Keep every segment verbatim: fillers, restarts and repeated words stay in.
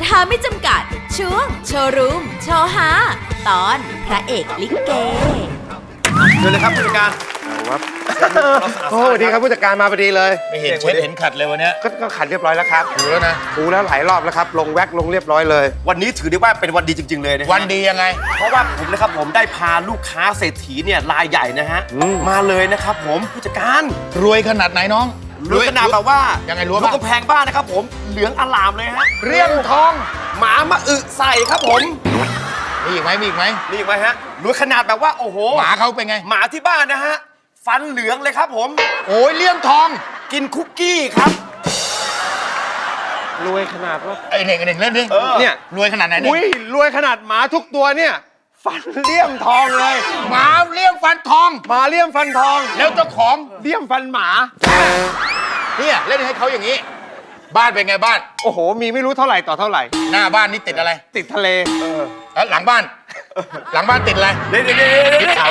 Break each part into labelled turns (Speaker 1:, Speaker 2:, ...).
Speaker 1: ฮาไม่จำกัดช่วงโชว์รูมโชว์ฮาตอนพระเอกลิเก
Speaker 2: เชิญเลยครับผู้จัดการ
Speaker 3: ครับโอ้สวัสดีครับผู้จัดการมาพอดีเลย
Speaker 2: ไม่เห็นเช็ดเห็นขัดเลยวันนี้
Speaker 3: ก็ขัดเรียบร้อยแล้วครับ
Speaker 2: ถูแล้วนะ
Speaker 3: ถูแล้วหลายรอบแล้วครับลงแว็กลงเรียบร้อยเลย
Speaker 2: วันนี้ถือได้ว่าเป็นวันดีจริงๆเลยนะ
Speaker 4: วันดียังไง
Speaker 2: เพราะว่าผมนะครับผมได้พาลูกค้าเศรษฐีเนี่ยรายใหญ่นะฮะมาเลยนะครับผมผู้จัดการ
Speaker 4: รวยขนาดไหนน้อง
Speaker 2: รวยขนาดแบบว่า
Speaker 4: ยังไงรวย
Speaker 2: ลูกกำแพงบ้านนะครับผมเหลืองอลามเลยฮะ
Speaker 4: เรียงทอง
Speaker 2: หมามาอึใส่ครับผม
Speaker 4: มีอีกไหมมีอีกไหม
Speaker 2: มีอีกไหมฮะรวยขนาดแบบว่าโอ้โห
Speaker 4: หมาเขาเป็นไง
Speaker 2: หมาที่บ้านนะฮะฟันเหลืองเลยครับผม
Speaker 4: โอ้ยเลี่ยมทอง
Speaker 2: กินคุกกี้ครับ
Speaker 3: รวยขนาดว่า
Speaker 4: ไอเน่งไอเน่งเล่นดิ
Speaker 3: เนี่ย
Speaker 4: รวยขนาดไหนเนี่ย
Speaker 3: อุ้ยรวยขนาดหมาทุกตัวเนี่ยฟันเลี่ยมทองเลย
Speaker 4: หมาเลี่ยมฟันทอง
Speaker 3: หมาเลี่ยมฟันทอง
Speaker 4: แล้วเจ้าของ
Speaker 3: เลี่ยมฟันหมา
Speaker 4: เนี่ยเล่นให้เขาอย่างนี้บ้านเป็นไงบ้าน
Speaker 3: โอ้โหมีไม่รู้เท่าไหร่ต่อเท่าไหร่
Speaker 4: หน้าบ้านนี่ติดอะไร
Speaker 3: ติดทะเล
Speaker 4: แล้วหลังบ้านหลังบ้านติดอะไร
Speaker 2: เด็ดเด็ด
Speaker 4: ติดเขา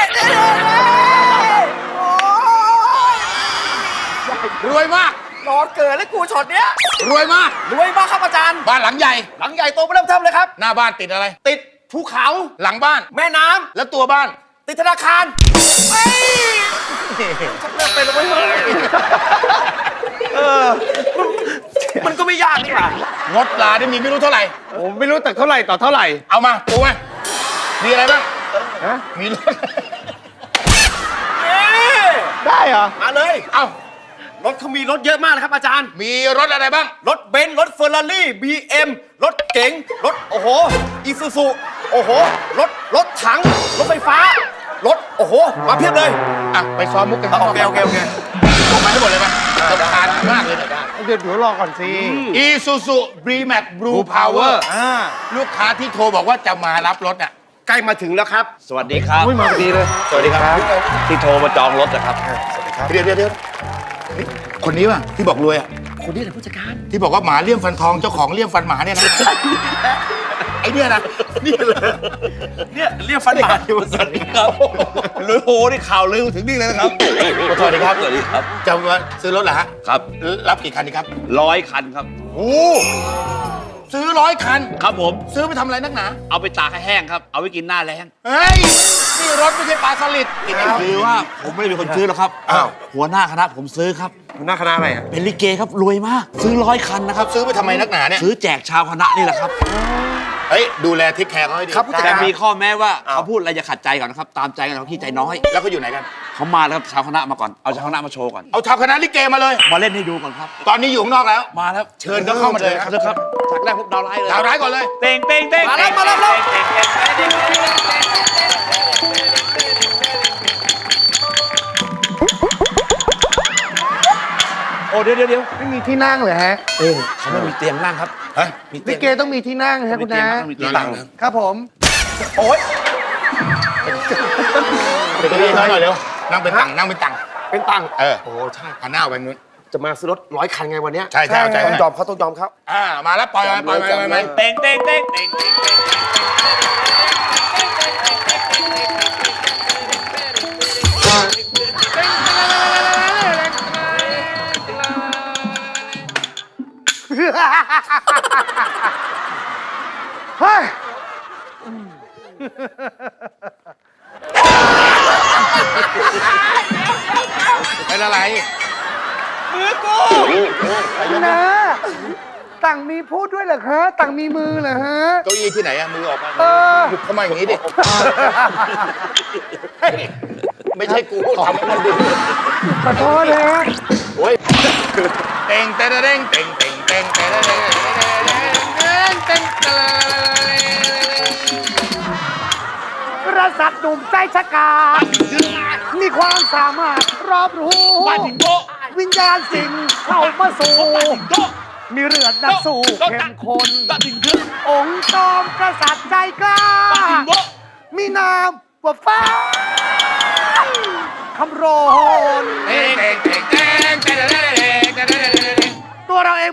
Speaker 4: รวยมาก
Speaker 2: รอเกิดแล้วกูช็อตเนี้ย
Speaker 4: รวยมาก
Speaker 2: รวยมากครับอาจารย์
Speaker 4: บ้านหลังใหญ่
Speaker 2: หลังใหญ่โตเริ่มเทิมเลยครับ
Speaker 4: หน้าบ้านติดอะไร
Speaker 2: ติดภูเขา
Speaker 4: หลังบ้าน
Speaker 2: แม่น้ำ
Speaker 4: แล้วตัวบ้าน
Speaker 2: ติดธนาคารเฮ้ยชักเริ่มเป็นแล้วเว้ยเออมันก็ไม่ยากนี่หว่าง
Speaker 4: ดลาได้มีไม่รู้เท่าไหร่
Speaker 3: ผมไม่รู้แต่เท่าไหร่ต่อเท่าไหร่
Speaker 4: เอามาปูมามีอะไรบ้าง
Speaker 3: ฮะ
Speaker 4: มีรถ
Speaker 3: ได้เหรอ
Speaker 2: มาเลย
Speaker 4: เอ้
Speaker 2: ารถเขามีรถเยอะมากเลยครับอาจารย์
Speaker 4: มีรถอะไรบ้าง
Speaker 2: รถเบนซ์รถเฟอร์รารี่บีเอ็มรถเก๋งรถโอ้โหอีซูซูโอ้โหรถรถถังรถไฟฟ้ารถโอ้โหมาเพียบเลย
Speaker 4: อ่ะไปซ้อมมุกกัน
Speaker 2: โอเคโอเคโอเค
Speaker 4: ส่งมาให้หมดเลยป่ะสำคัญมากเลยนะ
Speaker 3: เดี๋ยวเดี๋ยวรอก่อนสิ
Speaker 4: อีซูซูบรีแม็กบลูพาวเวอร์ลูกค้าที่โทรบอกว่าจะมารับรถอ่ะ
Speaker 2: ใกล้มาถึงแล้วครับ
Speaker 5: สวัสดีครับ
Speaker 3: อุ้ยมาพอดีเลย
Speaker 2: สวัสดีครับ
Speaker 5: ที่โทรมาจองรถนะครับ
Speaker 2: สวัสดีครับ
Speaker 4: เดี๋ยวเดี๋ยวเดี๋ยวคนนี้ป่ะที่บอกรวยอ่ะ
Speaker 2: คนนี้แหละผู้จัดการ
Speaker 4: ที่บอกว่าหมาเลี่ยมฟันทองเจ้าของเลี่ยมฟันหมาเนี่ยนะไอเนี่ยนะ
Speaker 2: นี่เลยเนี่ยเลี่ยมฟันหมาอยู่
Speaker 5: สวัสดีครับลือโหนี่ข่าวลือถึงนี่เลยนะครับ
Speaker 4: สวัสดีครับ
Speaker 5: สวัสดีครับ
Speaker 4: จะมาซื้อรถเหรอฮะ
Speaker 5: ครับ
Speaker 4: รับกี่คันดีครับ
Speaker 5: ร้อยคันครับ
Speaker 4: โอ้ซื้อร้อยคัน
Speaker 5: ครับผม
Speaker 4: ซื้อไปทำอะไรนักหนา
Speaker 5: เอาไปตากให้แห้งครับเอาไว้กินหน้าแรง
Speaker 4: เฮ้ยนี่รถไม่ใช่ปลาสลิด
Speaker 5: คือว่าผมไม่ได้เป็นคนซื้อหรอกครับอ้าวหัวหน้าคณะผมซื้อครับ
Speaker 3: หัวหน้าคณะอะไรอ่ะ
Speaker 5: เป็นลิเกครับรวยมากซื้อร้อยคันนะครับ
Speaker 4: ซื้อไปทำไมนักหนาเนี่ย
Speaker 5: ซื้อแจกชาวคณะนี่แหละครับ
Speaker 4: เฮ้ยดูแลทิศแขกเขาให้ดี
Speaker 5: ครับแต่มีข้อแม้ว่าเขาพูดอะไรอย่าขัดใจก่อนนะครับตามใจกันเขาขี้ใจน้อย
Speaker 4: แล้วเขาอยู่ไหนกัน
Speaker 5: เขามาแล้วครับชาวคณะมาก่อนเอาชาวคณะมาโชว์ก่อน
Speaker 4: เอาชาวคณะลิเกมาเลย
Speaker 5: มาเล่นให้ดูก่อนครับ
Speaker 4: ตอนนี้อยู่ข้างนอกแล้ว
Speaker 5: มาแล้ว
Speaker 4: เชิญเขาเข้ามาเลย
Speaker 5: ครับจากแรกพวกดาวร้ายเลย
Speaker 4: ดาวร้ายก่อนเลย
Speaker 5: เต่งเต่งเต่ง
Speaker 2: มาแล้วมาแล้ว
Speaker 5: โอ้เดี๋ยวเดี๋ยว
Speaker 3: ไม่มีที่นั่งเลยฮะ
Speaker 5: เออเขาไม่มีเตียงนั่งครับ
Speaker 4: ฮะ
Speaker 3: ลิเกต้องมีที่นั่งฮะคุณนะ
Speaker 5: มีเตียงนั่ง
Speaker 3: ครับผม
Speaker 2: โอ๊ย
Speaker 4: เป็นตัวนี้หน่อยเร็วนั่งเป็นตังนั่งเป็นตัง
Speaker 2: เป็นตัง
Speaker 4: เออ
Speaker 2: โอ้ใช่
Speaker 4: หันหน้าไปนู้น
Speaker 2: จะมาซื้อรถร้อยคันไงวันนี้
Speaker 4: ใช่ใช่ใช่
Speaker 2: ต้องยอมเขาต้องยอมเขา
Speaker 4: อ่ามาแล้วปล่อยปล่อยปล่อยปล่อย
Speaker 5: เต่งเต่งเต่งเต่งเต่ง
Speaker 3: เฮ้ย
Speaker 4: เป็นอะไร
Speaker 2: มือกู
Speaker 3: นะต่างมีพูดด้วยเหรอคะต่างมีมือเหรอฮะ
Speaker 4: เก้าอี้ที่ไหนอะมือออกมาหุบเข้ามาอย่างนี้ดิไม่ใช่กูทำให้มันดู
Speaker 3: ขอโทษนะ
Speaker 4: โอ้ยเต่งเต่งเต่งเต่งเต่งเต่งเต่งเต่งเต่ง
Speaker 3: กษัตริย์หนุ่มใจฉกาจมีความสามารถรอบรู้วิญญาณสิ่งเข้ามาสู่มีเรือดนักสู้เข้มข้นองค์จอมกษัตริย์ใจกล้ามีนามว่าฟ้าคำโรนตัวเราเอง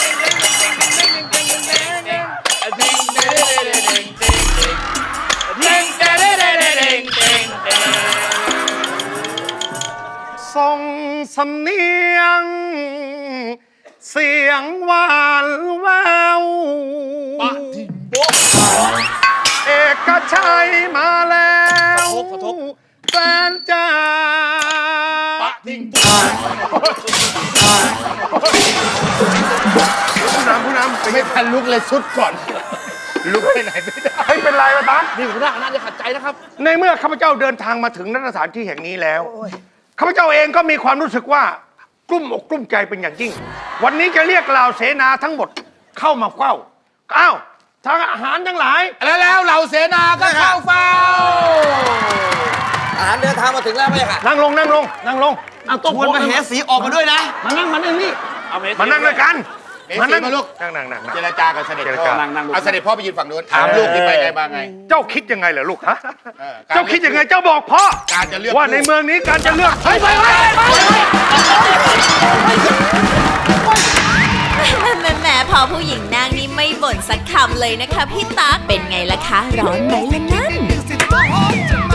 Speaker 3: ส่งสำเนียง เสียงหวานแววเอกชัยมาแล้วแฟนจ้า ผู้นำผู้นำ
Speaker 4: ไม่ทันลุกเลยสุดก่อน ลุกไปไหนไม่ได้
Speaker 3: เฮ้ยเป็นไรวะตั๊ก
Speaker 5: นี่หัวหน้าคณะจะขัดใจนะครับ
Speaker 3: ในเมื่อข้าพเจ้าเดินทางมาถึงณสถานที่แห่งนี้แล้วข้าพเจ้าเองก็มีความรู้สึกว่ากลุ้มอกกลุ้มใจเป็นอย่างยิ่ง วันนี้จะเรียกเหล่าเสนาทั้งหมดเข้ามาเฝ้าอ้าวทางอาหารทั้งหลาย
Speaker 5: แล้วแล้วเหล่าเสนาก็เข้าเฝ้า
Speaker 2: อาหารเดินทางมาถึงแล้วไหมค่ะ
Speaker 3: นั่งลงนั่งลงนั่งลงเอาโต๊ะ
Speaker 2: ชวนมาเหสีออกมาด้วยนะ
Speaker 3: มานั่งมานั่งนี่
Speaker 5: เอาเม
Speaker 3: มานั่งด้วยกัน
Speaker 5: เมสีมาลูก
Speaker 3: นั่งนั่งนั่ง
Speaker 5: เจรจากับเสด็จ
Speaker 3: เจร
Speaker 5: พ่อ
Speaker 3: จา
Speaker 5: เอาเสด็จพ่อไปยืนฝั่งนู้นถามลูกที่ไปไงมาไง
Speaker 3: เจ้าคิดยังไงเหรอลูกฮะ
Speaker 5: เออ
Speaker 3: เจ้าคิดยังไงเจ้าบอกพ่อ
Speaker 5: การจะเลือก
Speaker 3: ว่าในเมืองนี้การจะเลือกเฮ้ยไปไปไป
Speaker 1: แหมแหมพอผู้หญิงนางนี่ไม่บ่นสักคำเลยนะคะพี่ตั๊กเป็นไงล่ะคะ ร้อนไหมล่ะนั่น